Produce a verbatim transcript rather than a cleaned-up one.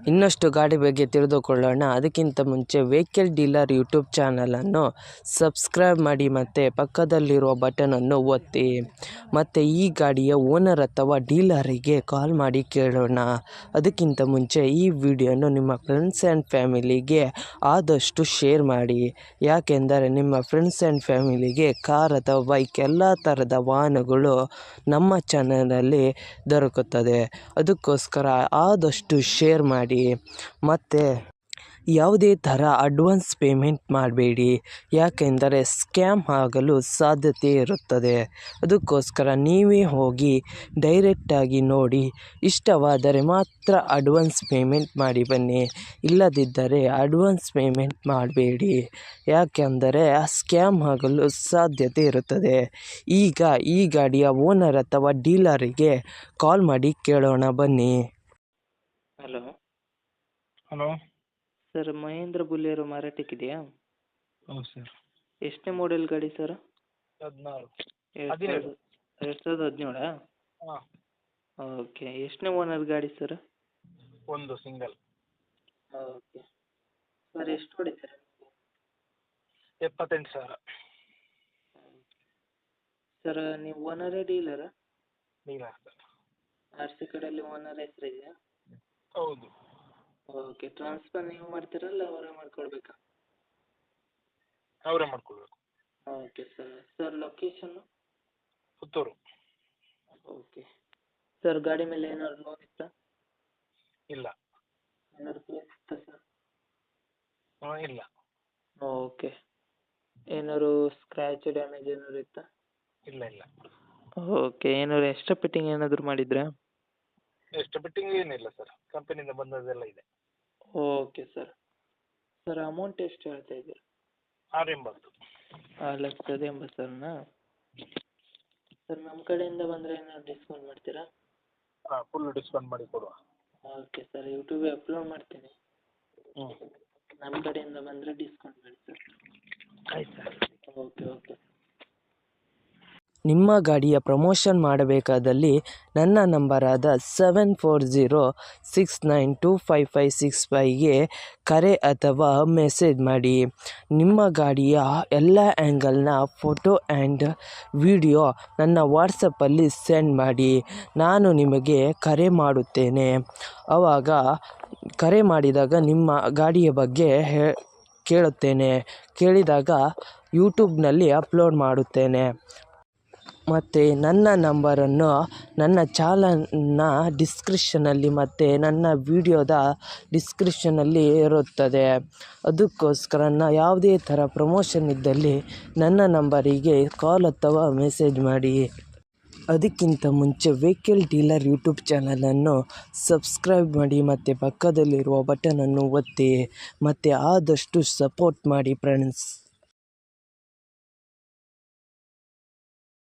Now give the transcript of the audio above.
ಇನ್ನಷ್ಟು ಗಾಡಿ ಬಗ್ಗೆ ತಿಳಿದುಕೊಳ್ಳೋಣ. ಅದಕ್ಕಿಂತ ಮುಂಚೆ ವೆಹಿಕಲ್ ಡೀಲರ್ ಯೂಟ್ಯೂಬ್ ಚಾನಲನ್ನು ಸಬ್ಸ್ಕ್ರೈಬ್ ಮಾಡಿ ಮತ್ತು ಪಕ್ಕದಲ್ಲಿರುವ ಬಟನನ್ನು ಒತ್ತಿ. ಮತ್ತು ಈ ಗಾಡಿಯ ಓನರ್ ಅಥವಾ ಡೀಲರಿಗೆ ಕಾಲ್ ಮಾಡಿ ಕೇಳೋಣ. ಅದಕ್ಕಿಂತ ಮುಂಚೆ ಈ ವಿಡಿಯೋನು ನಿಮ್ಮ ಫ್ರೆಂಡ್ಸ್ ಆ್ಯಂಡ್ ಫ್ಯಾಮಿಲಿಗೆ ಆದಷ್ಟು ಶೇರ್ ಮಾಡಿ. ಯಾಕೆಂದರೆ ನಿಮ್ಮ ಫ್ರೆಂಡ್ಸ್ ಆ್ಯಂಡ್ ಫ್ಯಾಮಿಲಿಗೆ ಕಾರ್ ಅಥವಾ ಬೈಕ್ ಎಲ್ಲ ಥರದ ವಾಹನಗಳು ನಮ್ಮ ಚಾನಲಲ್ಲಿ ದೊರಕುತ್ತದೆ. ಅದಕ್ಕೋಸ್ಕರ ಆದಷ್ಟು ಶೇರ್ ಮಾಡಿ. ಮತ್ತು ಯಾವುದೇ ಥರ ಅಡ್ವಾನ್ಸ್ ಪೇಮೆಂಟ್ ಮಾಡಬೇಡಿ, ಯಾಕೆಂದರೆ ಸ್ಕ್ಯಾಮ್ ಆಗಲು ಸಾಧ್ಯತೆ ಇರುತ್ತದೆ. ಅದಕ್ಕೋಸ್ಕರ ನೀವೇ ಹೋಗಿ ಡೈರೆಕ್ಟಾಗಿ ನೋಡಿ, ಇಷ್ಟವಾದರೆ ಮಾತ್ರ ಅಡ್ವಾನ್ಸ್ ಪೇಮೆಂಟ್ ಮಾಡಿ ಬನ್ನಿ. ಇಲ್ಲದಿದ್ದರೆ ಅಡ್ವಾನ್ಸ್ ಪೇಮೆಂಟ್ ಮಾಡಬೇಡಿ, ಯಾಕೆಂದರೆ ಸ್ಕ್ಯಾಮ್ ಆಗಲು ಸಾಧ್ಯತೆ ಇರುತ್ತದೆ. ಈಗ ಈ ಗಾಡಿಯ ಓನರ್ ಅಥವಾ ಡೀಲರಿಗೆ ಕಾಲ್ ಮಾಡಿ ಕೇಳೋಣ ಬನ್ನಿ. Hello hello sir, Mahindra Bolero ಮಾರಾಟಕ್ಕಿದೆಯಾ? ಹೌದು ಸರ್. ಎಷ್ಟನೇ ಮಾಡೆಲ್ ಗಾಡಿ ಸರ್? ಹದಿನಾರು ಎರಡು ಹದಿನೇಳು ಸಾವಿರದ ಎರಡು ಸಾವಿರದ ಹದಿನೇಳಾ? ಹಾಂ, ಓಕೆ. ಎಷ್ಟನೇ ಓನರ್ ಗಾಡಿ ಸರ್? ಒಂದು ಸಿಂಗಲ್. ಓಕೆ ಸರ್, ಎಷ್ಟು ಹೊಡಿತಾರೆ? ಎಪ್ಪತ್ತೆಂಟು ಸಾವಿರ. ಸರ್, ನೀವು ಓನರೇ ಡೀಲರಾ? Dealer sir. ಆರ್ ಸಿ ಕಡೆಯಲ್ಲಿ ಓನರ್ ಹೆಸರು ಇದೆಯಾ? ಹೌದು. ಓಕೆ. ಟ್ರಾನ್ಸ್ಫರ್ ನೀವು ಮಾಡ್ತೀರಲ್ಲ ಅವರೇ ಮಾಡ್ಕೊಳ್ಬೇಕಾ? ಅವರೇ ಮಾಡ್ಕೊಳ್ಬೇಕು. Okay sir. ಸರ್, ಲೊಕೇಶನ್ನು? ಪುತ್ತೂರು. ಓಕೆ. ಸರ್, ಗಾಡಿ ಮೇಲೆ ಏನಾದ್ರು ಲೋನ್ ಇತ್ತಾ? ಇಲ್ಲ. ಏನಾದ್ರು ಪ್ಲೇಸ್ ಇತ್ತಾ ಸರ್? ಹಾಂ, ಇಲ್ಲ. ಓಕೆ. ಏನಾದ್ರು ಸ್ಕ್ರ್ಯಾಚ್ ಡ್ಯಾಮೇಜ್ ಏನಾದ್ರು ಇತ್ತಾ? ಇಲ್ಲ ಇಲ್ಲ. ಓಕೆ. ಏನಾದ್ರು ಎಕ್ಸ್ಟ್ರಾ ಫಿಟ್ಟಿಂಗ್ ಏನಾದರೂ ಮಾಡಿದ್ರಾ? ಎಷ್ಟು ಬಿಟ್ಟಿಂಗ್ ಏನಿಲ್ಲ ಸರ್, ಕಂಪನಿಯಿಂದ ಬಂದದ್ದೆಲ್ಲ ಇದೆ. Okay sir. ಸರ್, ಅಮೌಂಟ್ ಎಷ್ಟು ಹೇಳ್ತಾ ಇದ್ದೀರಾ? ಆರು ಎಂಬತ್ತು. ಆರು ಲಕ್ಷದ ಎಂಬತ್ತು ಸಾವಿರನಾ? ಸರ್, ನಮ್ಮ ಕಡೆಯಿಂದ ಬಂದರೆ ಏನಾದ್ರು ಡಿಸ್ಕೌಂಟ್ ಮಾಡ್ತೀರಾ? ಹಾಂ, ಫುಲ್ ಡಿಸ್ಕೌಂಟ್ ಮಾಡಿ ಕೊಡುವ. ಓಕೆ ಸರ್, ಯೂಟ್ಯೂಬಿಗೆ ಅಪ್ಲೋಡ್ ಮಾಡ್ತೀನಿ. ಹ್ಞೂ, ನಮ್ಮ ಕಡೆಯಿಂದ ಬಂದರೆ ಡಿಸ್ಕೌಂಟ್ ಮಾಡಿ ಸರ್. ಆಯ್ತು ಸರ್. Okay okay. ನಿಮ್ಮ ಗಾಡಿಯ ಪ್ರಮೋಷನ್ ಮಾಡಬೇಕಾದಲ್ಲಿ ನನ್ನ ನಂಬರಾದ seven four zero six nine two five five six ಫೈವ್ಗೆ ಕರೆ ಅಥವಾ ಮೆಸೇಜ್ ಮಾಡಿ. ನಿಮ್ಮ ಗಾಡಿಯ ಎಲ್ಲ ಆ್ಯಂಗಲ್ನ ಫೋಟೋ ಆ್ಯಂಡ್ ವಿಡಿಯೋ ನನ್ನ ವಾಟ್ಸಪ್ಪಲ್ಲಿ ಸೆಂಡ್ ಮಾಡಿ. ನಾನು ನಿಮಗೆ ಕರೆ ಮಾಡುತ್ತೇನೆ. ಆವಾಗ ಕರೆ ಮಾಡಿದಾಗ ನಿಮ್ಮ ಗಾಡಿಯ ಬಗ್ಗೆ ಹೇ ಕೇಳುತ್ತೇನೆ. ಕೇಳಿದಾಗ ಯೂಟ್ಯೂಬ್ನಲ್ಲಿ ಅಪ್ಲೋಡ್ ಮಾಡುತ್ತೇನೆ. ಮತ್ತು ನನ್ನ ನಂಬರನ್ನು ನನ್ನ ಚಾನಲ್ನ ಡಿಸ್ಕ್ರಿಪ್ಷನಲ್ಲಿ ಮತ್ತು ನನ್ನ ವಿಡಿಯೋದ ಡಿಸ್ಕ್ರಿಪ್ಷನಲ್ಲಿ ಇರುತ್ತದೆ. ಅದಕ್ಕೋಸ್ಕರ ನಾ ಯಾವುದೇ ಥರ ಪ್ರಮೋಷನ್ ಇದ್ದಲ್ಲಿ ನನ್ನ ನಂಬರಿಗೆ ಕಾಲ್ ಅಥವಾ ಮೆಸೇಜ್ ಮಾಡಿ. ಅದಕ್ಕಿಂತ ಮುಂಚೆ ವೆಹಿಕಲ್ ಡೀಲರ್ ಯೂಟ್ಯೂಬ್ ಚಾನಲನ್ನು ಸಬ್ಸ್ಕ್ರೈಬ್ ಮಾಡಿ ಮತ್ತು ಪಕ್ಕದಲ್ಲಿರುವ ಬಟನನ್ನು ಒತ್ತಿ ಮತ್ತು ಆದಷ್ಟು ಸಪೋರ್ಟ್ ಮಾಡಿ ಫ್ರೆಂಡ್ಸ್.